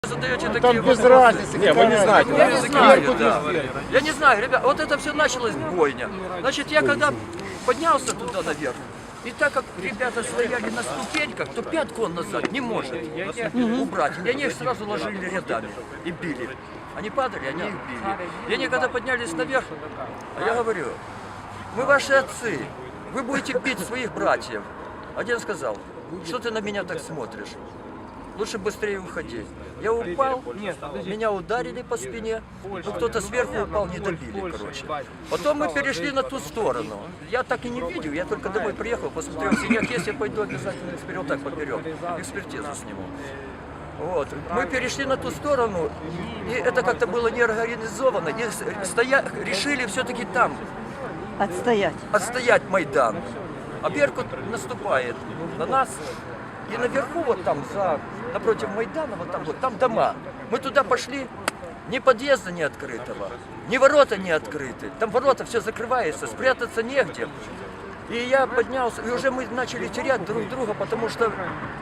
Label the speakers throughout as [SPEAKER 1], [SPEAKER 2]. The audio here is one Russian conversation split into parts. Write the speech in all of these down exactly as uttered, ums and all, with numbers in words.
[SPEAKER 1] Задаете
[SPEAKER 2] Ну,
[SPEAKER 1] такие
[SPEAKER 2] там без
[SPEAKER 1] вопросы.
[SPEAKER 2] разницы.
[SPEAKER 3] Не, вы не знаете.
[SPEAKER 1] Я не знаю,
[SPEAKER 2] Сверху,
[SPEAKER 1] да.
[SPEAKER 2] не сверху.
[SPEAKER 1] Я не знаю, ребят, вот это все началось бойня. Значит, я когда поднялся туда наверх, и так как ребята стояли на ступеньках, то пятку он назад не может убрать. И они их сразу ложили рядами и били. Они падали, они их били. И они когда поднялись наверх, а я говорю, мы ваши отцы, вы будете бить своих братьев. Один сказал, что ты на меня так смотришь? Лучше быстрее уходи. Я упал, меня ударили по спине, ну кто-то сверху упал, не добили, короче. Потом мы перешли на ту сторону. Я так и не видел, я только домой приехал, посмотрел, синяк есть, я пойду обязательно эксперимент так поперек, экспертизу сниму. Вот. Мы перешли на ту сторону, и это как-то было неорганизовано, и стоя... решили все-таки там
[SPEAKER 4] Отстоять.
[SPEAKER 1] отстоять Майдан. А Беркут наступает на нас. И наверху, вот там, за, напротив Майдана, вот там, вот там дома. Мы туда пошли, ни подъезда не открытого, ни ворота не открыты. Там ворота все закрывается, спрятаться негде. И я поднялся, и уже мы начали терять друг друга, потому что,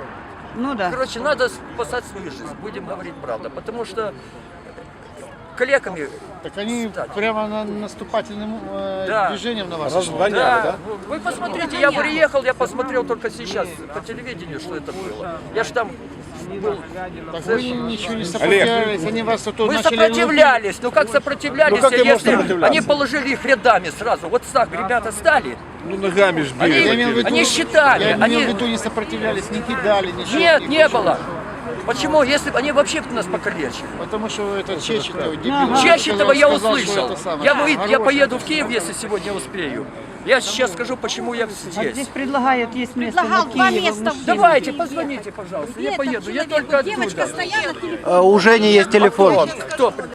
[SPEAKER 4] Ну да.
[SPEAKER 1] короче, надо спасать свою жизнь, будем говорить правду. Потому что коллегами...
[SPEAKER 2] Так они
[SPEAKER 1] стать.
[SPEAKER 2] прямо на наступательным э,
[SPEAKER 1] Да.
[SPEAKER 2] движением на вас.
[SPEAKER 3] Разгоняли,
[SPEAKER 1] Да,
[SPEAKER 3] да?
[SPEAKER 1] вы посмотрите, я приехал, я посмотрел только сейчас по телевидению, что это было. Я ж там был.
[SPEAKER 2] Так вы ничего не сопротивлялись, они вас тут
[SPEAKER 1] Мы
[SPEAKER 2] начали...
[SPEAKER 1] сопротивлялись, ну как сопротивлялись,
[SPEAKER 3] Ну, как ты можешь
[SPEAKER 1] если
[SPEAKER 3] сопротивляться?
[SPEAKER 1] они положили их рядами сразу, вот так ребята стали,
[SPEAKER 3] Ну ногами ж
[SPEAKER 1] Они-
[SPEAKER 3] били.
[SPEAKER 2] Я имел в виду,
[SPEAKER 1] Они считали,
[SPEAKER 2] я
[SPEAKER 1] они-
[SPEAKER 2] имел в виду, не сопротивлялись, не кидали, ничего.
[SPEAKER 1] нет,
[SPEAKER 2] ни
[SPEAKER 1] не
[SPEAKER 2] почему.
[SPEAKER 1] было. Почему? Если бы они вообще нас покалечили.
[SPEAKER 2] Потому что это Чечетов, дебил.
[SPEAKER 4] Ага.
[SPEAKER 1] Чещетова я
[SPEAKER 2] сказал, что
[SPEAKER 1] услышал.
[SPEAKER 2] это самое.
[SPEAKER 1] Я, выйду- я
[SPEAKER 2] Хороший.
[SPEAKER 1] поеду в Киев, если сегодня успею. Я сейчас скажу, почему я
[SPEAKER 4] Вот
[SPEAKER 1] здесь.
[SPEAKER 4] здесь предлагают, есть место
[SPEAKER 5] Предлагал
[SPEAKER 4] на
[SPEAKER 5] два
[SPEAKER 4] Киев,
[SPEAKER 5] места.
[SPEAKER 4] мужчин.
[SPEAKER 1] Давайте, позвоните, пожалуйста, я
[SPEAKER 5] Нет,
[SPEAKER 1] поеду, я
[SPEAKER 5] человек,
[SPEAKER 1] только
[SPEAKER 5] девочка
[SPEAKER 1] оттуда.
[SPEAKER 5] стояла на телефоне.
[SPEAKER 6] У Жени есть телефон.
[SPEAKER 1] Кто?